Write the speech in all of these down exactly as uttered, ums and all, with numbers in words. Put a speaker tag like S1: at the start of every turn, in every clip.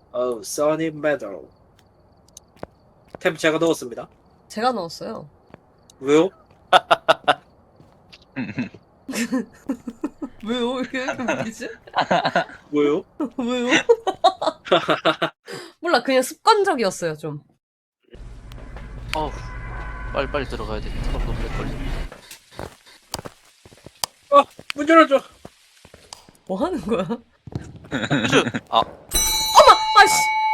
S1: 어우, 써니 메달. 템 제가 넣었습니다.
S2: 제가 넣었어요.
S1: 왜요?
S2: 왜요? 이게 왜 이렇게 웃기지?
S1: 왜요?
S2: 왜요? 몰라, 그냥 습관적이었어요, 좀.
S3: 어우, 빨리 빨리 들어가야 돼. 트럭 너무 오래 걸려.
S1: 어, 문 열어줘.
S2: 뭐 하는 거야?
S3: 퓨즈! 아,
S2: 아이씨!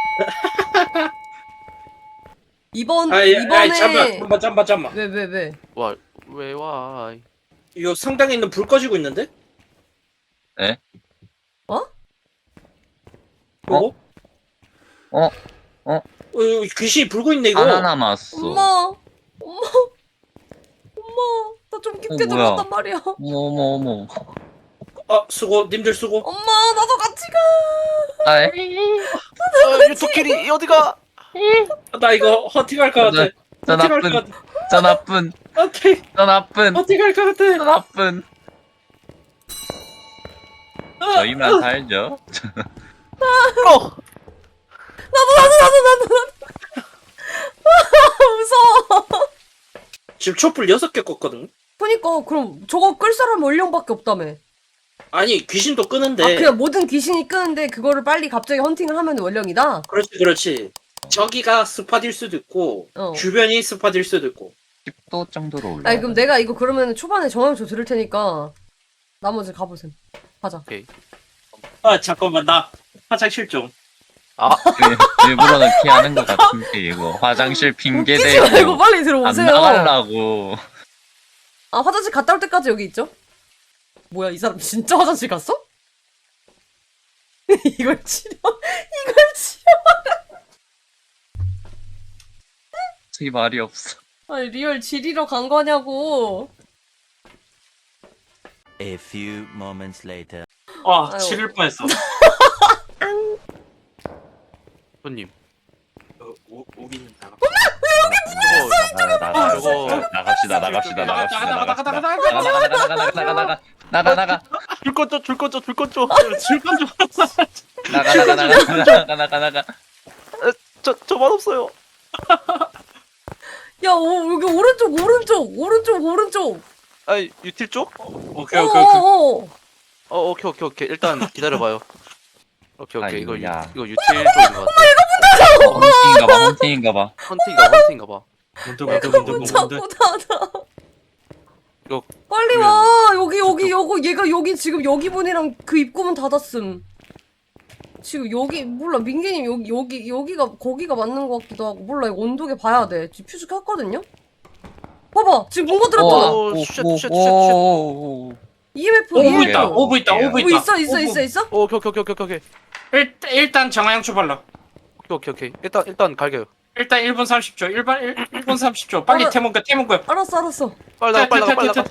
S2: 이번,
S1: 아이,
S2: 이번에.
S1: 아이, 잠만, 잠만, 잠만, 잠만.
S2: 왜, 왜, 왜?
S3: 와, 왜 와?
S1: 이거 성당에 있는 불 꺼지고 있는데?
S4: 에?
S2: 어?
S1: 보고?
S4: 어? 어?
S1: 어, 이거 귀신이 불고 있네, 이거.
S4: 하나 남았어.
S2: 엄마! 엄마! 엄마! 나 좀 깊게
S4: 어, 뭐야?
S2: 들어갔단 말이야.
S4: 어머 어머 어머.
S1: 어, 수고, 님들 수고.
S2: 엄마, 나도 같이 가!
S4: 아이.
S3: 어, 유토끼리 어디가?
S1: 나 이거 허팅할 것 같아.
S4: 저
S1: 허팅할
S4: 나쁜.
S1: 것 같아.
S4: 저 나쁜.
S1: 허팅,
S4: 저 나쁜.
S1: 허팅할 것 같아.
S4: 저 나쁜. 저희만 살죠.
S3: 어!
S2: 나도, 나도, 나도, 나도, 나도. 무서워.
S1: 지금 촛불 여섯 개 껐거든.
S2: 그니까, 그럼 저거 끌 사람 원령밖에 없다며.
S1: 아니, 귀신도 끄는데.
S2: 아, 그냥 모든 귀신이 끄는데 그거를 빨리 갑자기 헌팅을 하면 원령이다?
S1: 그렇지, 그렇지. 저기가 스팟일 수도 있고,
S2: 어.
S1: 주변이 스팟일 수도 있고.
S4: 십 도 정도로 올라.
S2: 아니, 그럼 내가 이거 그러면 초반에 정황조 들을 테니까 나머지 가보셈. 가자.
S3: 오케이.
S1: 아, 잠깐만, 나 화장실 좀.
S3: 아,
S4: 일- 일부러는 피하는 것 같은데 이거 화장실 핑계
S2: 웃기지 말고
S4: 대고
S2: 빨리
S4: 안
S2: 들어오세요.
S4: 나가려고.
S2: 아, 화장실 갔다 올 때까지 여기 있죠? 뭐야, 이 사람 진짜 화장실 갔어? 이걸 치료, 이걸 치료.
S4: 저기 말이 없어.
S2: 아니, 리얼 지리러 간 거냐고.
S5: A few moments later.
S1: 아,
S2: 아유.
S1: 지릴 뻔했어.
S3: 손님.
S1: 어, 오, 오기는 나가.
S3: 저거,
S4: 나가 나가
S3: 저거.
S4: 나갑시다 나갑시다
S1: 나가,
S4: 나갑시다
S1: 나가, 나가,
S4: 나갑시다.
S1: 나가, 나가,
S4: 나가 나가 나가 나가 나가 나가 나가 나가
S3: 줄 꺼줘, 줄 꺼줘, 줄 꺼줘.
S1: 질건 좀.
S4: 나가 나가 나가 나가 나가 나가.
S3: 저, 저만 없어요.
S2: 야, 오, 여기 오른쪽, 오른쪽, 오른쪽, 오른쪽.
S3: 아이, 유틸 쪽?
S1: 오케이, 오케이, 오케이.
S2: 어어어.
S3: 어, 오케이, 오케이, 오케이. 일단 기다려봐요. 오케이, 오케이. 이거, 유,
S4: 아이고야.
S3: 이거 유틸 쪽인 것 같아.
S4: 헌팅인가봐 헌팅인가봐.
S3: 헌팅가, 헌팅가 봐.
S1: 뭔데,
S2: 내가
S1: 뭔데, 뭔데,
S2: 문
S1: 뭔데.
S2: 자꾸 닫아.
S3: 이거,
S2: 빨리 와. 여기, 여기, 여기, 얘가 여기 지금 여기 문이랑 그 입구문 닫았음. 지금 여기, 몰라. 민기님 여기, 여기, 여기가, 거기가 맞는 것 같기도 하고. 몰라. 이거 온도계 봐야 돼. 지금 퓨즈 켰거든요? 봐봐. 지금 문거 들었잖아.
S3: 어. 오, 쉣, 쉣, 쉣, 쉣.
S4: 오오오오.
S2: 이엠에프,
S1: 오브
S2: 이엠에프.
S1: 있다, 오브 있다, 오브
S2: 뭐
S1: 있다.
S2: 있어, 있어,
S1: 오브.
S2: 있어, 있어?
S3: 오, 오케이, 오케이, 오케이, 오케이, 오케이.
S1: 일, 일단 정화양초 발라.
S3: 오케이, 오케이, 오케이. 일단, 일단 갈게요.
S1: 일단 일 분 삼십 초. 일 분, 일 분 삼십 초. 빨리
S2: 알아.
S1: 태문가, 태문가.
S2: 알았어, 알았어.
S3: 빨리 나가, 빨리 나가, 빨리 나가.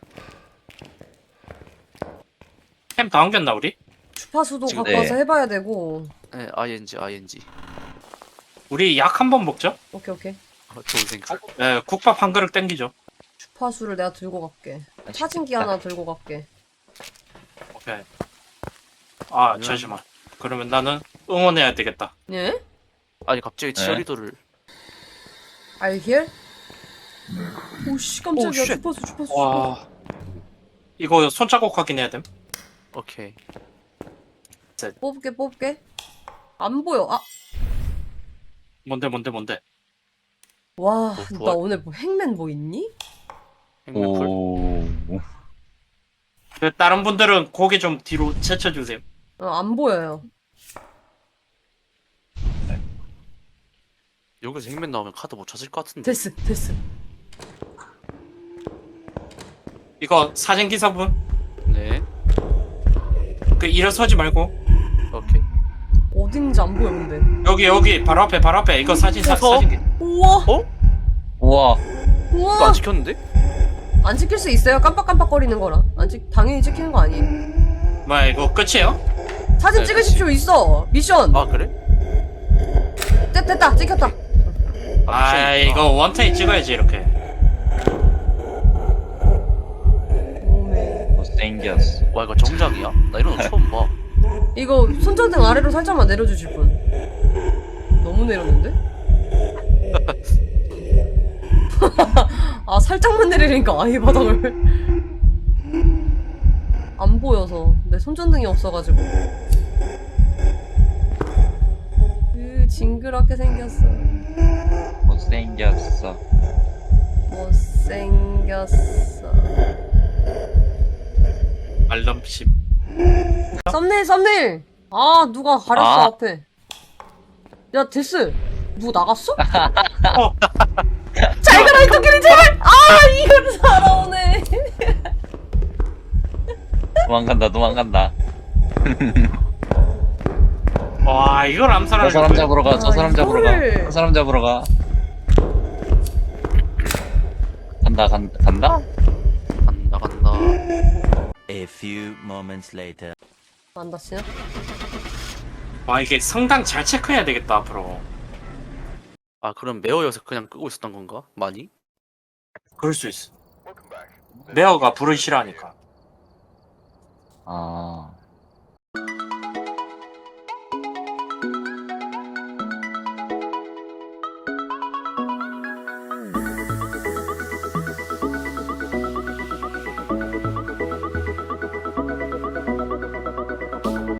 S1: 템다 옮겼나, 우리?
S2: 주파수도
S3: 지금-
S2: 갖고 와서
S4: 네.
S2: 해봐야 되고.
S3: 네, 아이엔지, 아이엔지.
S1: 우리 약 한 번 먹죠?
S2: 오케이, 오케이.
S3: 어, 좋은 생각.
S1: 예, 국밥 한 그릇 땡기죠.
S2: 주파수를 내가 들고 갈게. 사진기 하나 들고 갈게.
S1: 오케이. 아, 잠시만. 그러면 나는 응원해야 되겠다.
S2: 예?
S3: 아니, 갑자기 치어리더를.
S2: Are you here? 오씨, 깜짝이야.
S3: 오, 쉣.
S2: 주파수, 주파수, 주파수.
S1: 와. 이거 손자국 확인해야 됨.
S3: 오케이.
S2: 뽑을게, 뽑을게. 안 보여. 아,
S1: 뭔데, 뭔데, 뭔데.
S2: 와,
S3: 뭐,
S2: 나
S3: 부활?
S2: 오늘 뭐 행맨 뭐 있니?
S3: 행맨풀.
S4: 오.
S1: 그 다른 분들은 고개 좀 뒤로 제쳐주세요.
S2: 어, 안 보여요.
S3: 여기서 행맨 나오면 카드 못 찾을 것 같은데.
S2: 됐어, 됐어.
S1: 이거 사진 기사분,
S3: 네.
S1: 그 일어서지 말고
S3: 오케이.
S2: 어딘지 안 보여, 근데.
S1: 여기 여기 바로 앞에 바로 앞에 이거 사진 사,
S3: 무서워.
S1: 사진 기.
S2: 우와,
S3: 어?
S4: 우와.
S3: 이거
S2: 우와.
S3: 안 찍혔는데?
S2: 안 찍힐 수 있어요? 깜빡깜빡거리는 거라. 안 찍, 당연히 찍히는 거 아니에요.
S1: 뭐야 이거 끝이에요?
S2: 사진
S3: 네,
S2: 찍으십시오, 있어. 미션.
S3: 아, 그래?
S2: 됐, 됐다, 찍혔다.
S1: 아,
S3: 미션이 있구나.
S1: 이거 원타임 찍어야지 이렇게.
S2: 오메.
S4: 못생겼어.
S3: 와, 이거 정작이야? 나 이런 거 처음 봐.
S2: 이거 손전등 아래로 살짝만 내려주실 분. 너무 내렸는데? 아 살짝만 내리니까 아예 바닥을 안 보여서 내 손전등이 없어가지고. 으 징그럽게 생겼어.
S4: 못생겼어.
S2: 못생겼어.
S1: 알람심.
S2: 썸네일 썸네일. 아 누가 가렸어
S4: 아.
S2: 앞에. 야 데스 누구 나갔어?
S1: 어.
S2: 잘 가라 이 코끼리 제발. 아 이걸 살아오네.
S4: 도망간다 도망간다.
S1: 와 이걸
S4: 저
S1: 암살하는
S4: 사람
S1: 거야.
S4: 잡으러 가. 저
S2: 아,
S4: 사람 잡으러
S2: 이거를.
S4: 가. 저 사람 잡으러 가. 간다 간 간다.
S3: 간다 간다.
S5: A few moments later.
S2: 안 다치냐?
S1: 와 이게 성당 잘 체크해야 되겠다 앞으로.
S3: 아 그럼 매어여서 그냥 끄고 있었던 건가? 많이?
S1: 그럴 수 있어. 메어가 불을 싫어하니까.
S4: 아